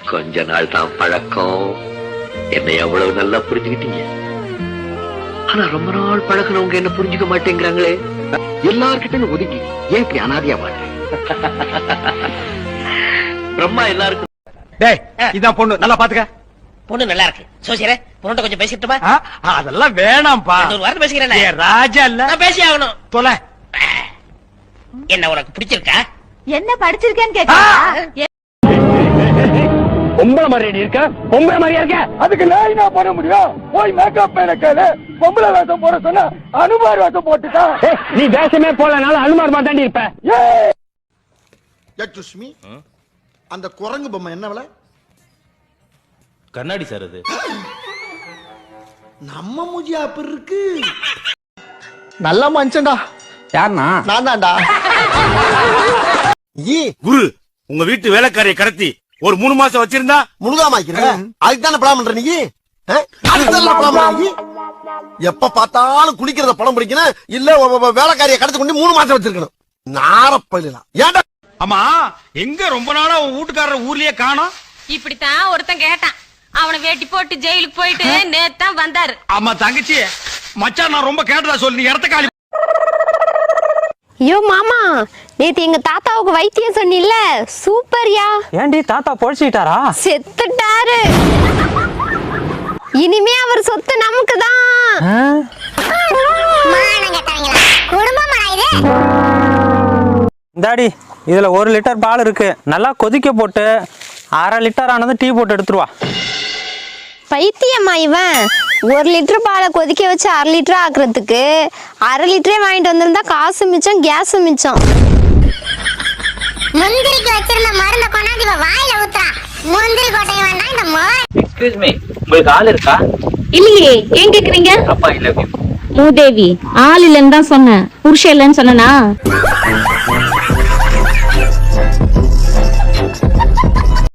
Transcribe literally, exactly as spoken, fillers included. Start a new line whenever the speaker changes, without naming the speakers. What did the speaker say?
கொஞ்ச நாள் தான் பழக்கம், என்னை எவ்வளவு நல்லா புரிஞ்சுக்கிட்டீங்க. ஆனா ரொம்ப நாள் பழகினவங்க என்ன புரிஞ்சுக்க மாட்டேங்கிறாங்களே. எல்லார்கிட்டையும் ஒதுக்கி ஏன் இப்படி அனாதையா வாழ்றேன்? பிரம்மா எல்லாருக்கும்.
டேய், இதான் பொண்ணு, நல்லா பாத்துக்க.
பொண்ணு நல்லா இருக்கு. சோசியரே, பொண்ணு கொஞ்சம் பேசிட்டுமா?
அதெல்லாம் வேணாம்பா.
ஒரு வார்த்தை பேசிக்கிறேன்.
ராஜா இல்ல,
நான் பேசி ஆகணும்.
தொலை.
என்ன உனக்கு பிடிச்சிருக்கா?
என்ன படிச்சிருக்கேன்னு கேட்க.
பொம்பளை மாதிரியா இருக்க? பொம்பளை மாதிரியா இருக்க? அதுக்கு நான் என்ன பண்ண முடியும்? போய் மேக்கப் எனக்கு பொம்பளை வேஷம் போட சொன்னா அனுமார் வேஷம் போட்டுட்டா. நீ வேஷமே போலனால அனுமார் மாதிரி தாண்டி இருப்ப.
சுஷ்மி, அந்த குரங்கு பொம்மை என்ன விலை?
கண்ணாடி சார் அது.
நம்ம மூஜி அப்படி இருக்கு.
நல்ல மனுஷன்டா.
யாருனா? நான் தான்டா.
குரு, உங்க வீட்டு வேலைக்காரியை கடத்தி ஒரு மூணு மாசம் வச்சிருந்தா
முழுகாம அதுக்கு தானே படம் பண்ற நீ? எப்ப பார்த்தாலும் குளிக்கிறத படம் பிடிக்கணும், இல்ல வேலைக்காரியை கடத்தி கொண்டு மூணு மாசம் வச்சிருக்கணும். நாரப்பலாம். ஏன்டா?
ஆமா, எங்க ரொம்ப நாளா உன் வீட்டுக்காரர் ஊர்லயே காணோம்?
இப்படித்தான் ஒருத்தன் கேட்டான். அவனை வேட்டி போட்டு ஜெயிலுக்கு போயிட்டு நேத்தான் வந்தாரு.
ஆமா தங்கச்சி, மச்சான் நான் ரொம்ப கேட்டதா சொல்லி நீ இடத்த காலி.
ஐயோ மாமா, நேத்து எங்க தாத்தாவுக்கு வைத்தியம் சொன்னில்ல, சூப்பர்யா.
ஏண்டி தாத்தா பொழைச்சிட்டாரா?
செத்துட்டாரு. இனிமே அவர் சொத்து நமக்கு தான்.
இந்தாடி, இதுல ஒரு லிட்டர் பால் இருக்கு, நல்லா கொதிக்க போட்டு அரை லிட்டர் ஆனது டீ போட்டு எடுத்துருவா.
பைத்தியம்மா இவன், ஒரு லிட்டர் பாலை கொதிக்க வச்சு அரை லிட்டர் ஆக்குறதுக்கு அரை லிட்டரே வாங்கிட்டு வந்திருந்தா காசு மிச்சம், கேஸ் மிச்சம்.
முந்திரிக்கு வச்சிருந்த மருந்த கொண்டாந்து வாயில ஊத்துறா. முந்திரி கொட்டை வேண்டாம் இந்த மோர்.
எக்ஸ்கியூஸ் மீ, உங்களுக்கு ஆள் இருக்கா?
இல்லையே, ஏன் கேக்குறீங்க?
அப்பா இல்ல
மூதேவி, ஆள் இல்லன்னு தான் சொன்னேன், புருஷன் இல்லன்னு சொன்னா.